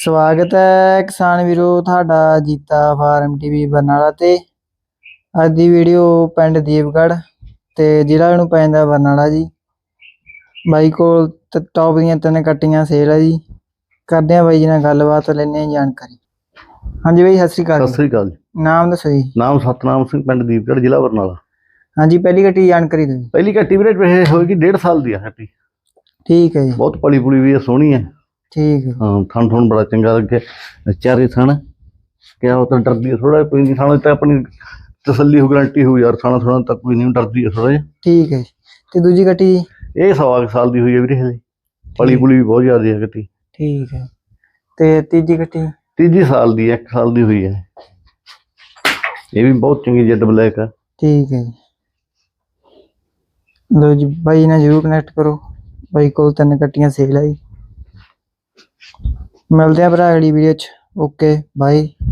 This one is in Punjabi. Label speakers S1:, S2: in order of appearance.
S1: ਸਵਾਗਤ ਹੈ ਕਿਸਾਨ ਵੀਰੋ ਤੁਹਾਡਾ ਜੀਤਾ ਫਾਰਮ ਟੀਵੀ ਬਰਨਾਲਾ ਤੇ। ਅੱਜ ਦੀ ਵੀਡੀਓ ਪਿੰਡ ਦੀਪਗੜ੍ਹ ਤੇ ਜ਼ਿਲ੍ਹਾ ਨੂੰ ਪੈਂਦਾ ਬਰਨਾਲਾ ਜੀ। ਬਾਈ ਕੋਲ ਟੌਪ ਦੀਆਂ 3 ਕੱਟੀਆਂ ਸੇਲ ਆ ਜੀ। ਕਰਦੇ ਆ ਬਾਈ ਜੀ ਨਾਲ ਗੱਲਬਾਤ, ਲੈਣੇ ਜਾਣਕਾਰੀ। ਹਾਂਜੀ ਬਾਈ, ਸਤਿ ਸ੍ਰੀ ਅਕਾਲ।
S2: ਸਤਿ ਸ੍ਰੀ ਅਕਾਲ ਜੀ।
S1: ਨਾਮ ਦੱਸੋ ਜੀ?
S2: ਨਾਮ ਸਤਨਾਮ ਸਿੰਘ, ਪਿੰਡ ਦੀਪਗੜ੍ਹ, ਜ਼ਿਲ੍ਹਾ ਬਰਨਾਲਾ।
S1: ਹਾਂਜੀ, ਪਹਿਲੀ ਕੱਟੀ ਜਾਣਕਾਰੀ ਦਿਓ।
S2: ਪਹਿਲੀ ਕੱਟੀ ਵੀਰੇ ਇਹ ਹੋਏਗੀ 1.5 ਸਾਲ ਦੀ ਆ ਕੱਟੀ।
S1: ਠੀਕ ਹੈ ਜੀ।
S2: ਬਹੁਤ ਪਲੀ ਪੁਲੀ ਵੀ ਆ, ਸੋਹਣੀ ਹੈ।
S1: ਠੀਕ ਹੈ।
S2: ਹਾਂ, ਥਣ ਥਣ ਬੜਾ ਚੰਗਾ ਲੱਗੇ। ਚਾਰੇ ਥਣ ਕਿਆ ਉਹ ਤਾਂ ਡਰਦੀ ਹੈ ਥੋੜਾ, ਕੋਈ ਨਹੀਂ ਥਾਣਾ ਤਾਂ ਆਪਣੀ ਤਸੱਲੀ ਹੋ, ਗਰੰਟੀ ਹੋ ਯਾਰ, ਥਾਣਾ ਥੋੜਾ ਤਾਂ ਕੋਈ ਨਹੀਂ ਡਰਦੀ ਹੈ ਥੋੜਾ ਜਿਹਾ।
S1: ਠੀਕ ਹੈ। ਤੇ ਦੂਜੀ ਕੱਟੀ?
S2: ਇਹ 1.25 ਸਾਲ ਦੀ ਹੋਈ ਹੈ ਵੀਰੇ, ਹਲੇ ਪਲੀ ਪੁਲੀ ਵੀ ਬਹੁਤ ਜ਼ਿਆਦਾ ਹੈ ਕੱਟੀ। ਠੀਕ
S1: ਹੈ। ਤੇ ਤੀਜੀ ਕੱਟੀ?
S2: ਤੀਜੀ ਸਾਲ ਦੀ 1 ਸਾਲ ਦੀ ਹੋਈ ਹੈ। ਇਹ ਵੀ ਬਹੁਤ ਚੰਗੀ ਜੈਡ ਬਲੈਕ ਆ।
S1: ਠੀਕ ਹੈ ਜੀ। ਲੋ ਜੀ, ਬਾਈ ਨਾਲ ਜ਼ਰੂਰ ਕਨੈਕਟ ਕਰੋ। ਬਾਈ ਕੋਲ 3 ਕੱਟੀਆਂ ਸੇਲ ਆ ਜੀ। ਮਿਲਦੇ ਆ ਭਰਾ ਅਗਲੀ ਵੀਡੀਓ 'ਚ। ਓਕੇ ਬਾਈ।